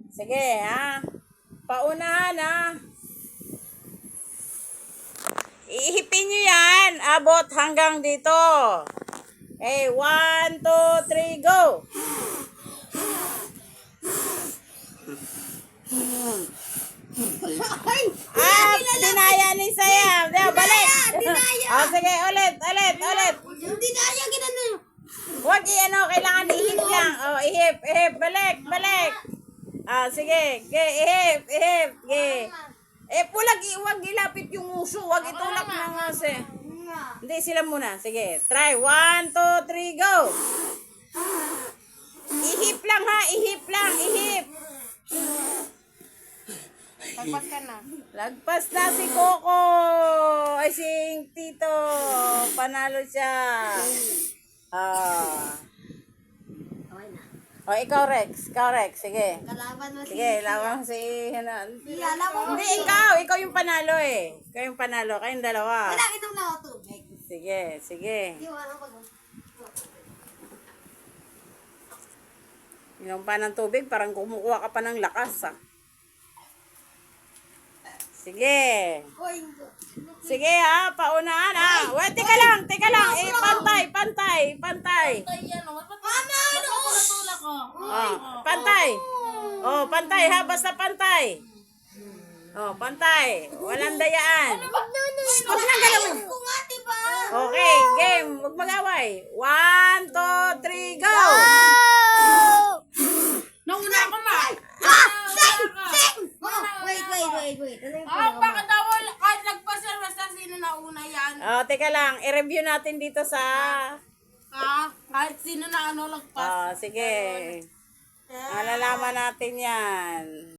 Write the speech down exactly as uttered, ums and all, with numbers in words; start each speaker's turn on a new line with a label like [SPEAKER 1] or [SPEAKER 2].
[SPEAKER 1] Sige, ha? Paunahan, ha? Ihipin nyo yan. Abot hanggang dito. Okay, one, two, three, go! Ah, dinaya ni Sayam. Dinaya, balik.
[SPEAKER 2] Dinaya.
[SPEAKER 1] Oh, sige, ulit, ulit, ulit.
[SPEAKER 2] Yung dinaya, ginano.
[SPEAKER 1] Huwag i-ano, kailangan ihip lang. Oh, ihip, ihip, balik, balik. Ah, sige, ge, ihip, ihip, ge. Eh, pulag, huwag ilapit yung uso. Huwag itulak ng ase. Hindi, sila muna. Sige, try. One, two, three, go. Ihip lang ha, ihip lang, ihip.
[SPEAKER 2] Pagpas ka na.
[SPEAKER 1] Lagpas na si Coco. Ay, si Tito. Panalo siya. Ah.
[SPEAKER 2] Okay na.
[SPEAKER 1] O, ikaw, Rex. Ikaw, Rex. Sige.
[SPEAKER 2] Kalaban mo si...
[SPEAKER 1] Sige, laban si... Ano.
[SPEAKER 2] Iyala mo.
[SPEAKER 1] Hindi, ikaw. Ikaw yung panalo eh. Ikaw yung panalo. Kayong dalawa.
[SPEAKER 2] Wala, inom na ako tubig.
[SPEAKER 1] Sige, sige.
[SPEAKER 2] Hindi mo ano pag...
[SPEAKER 1] Inom pa ng tubig, parang kumukuha ka pa ng lakas ah. Sige.
[SPEAKER 2] Uy,
[SPEAKER 1] Sige ha, paunahan ha. Wait, teka lang, teka lang. Eh, pantay, pantay, pantay.
[SPEAKER 2] Mama, ano?
[SPEAKER 1] Oh, pantay. Oh, pantay ha, basta pantay. Oh, pantay. Walang dayaan. Huwag nang galawin.
[SPEAKER 2] Ko nga, diba?
[SPEAKER 1] Okay, game. Huwag mag-away. One, two, three, go!
[SPEAKER 3] Nauna ako ma.
[SPEAKER 2] Ah! Sing! Sing! Oh, wait, wait, wait, wait. Ano yung
[SPEAKER 3] Ah,
[SPEAKER 2] pinaka-
[SPEAKER 3] bakit daw kahit nagpasal basta sino nauna yan?
[SPEAKER 1] Oh, teka lang. I-review natin dito sa...
[SPEAKER 3] Ah, kahit sino na ano lagpas.
[SPEAKER 1] Oh, sige. Malalaman natin yan.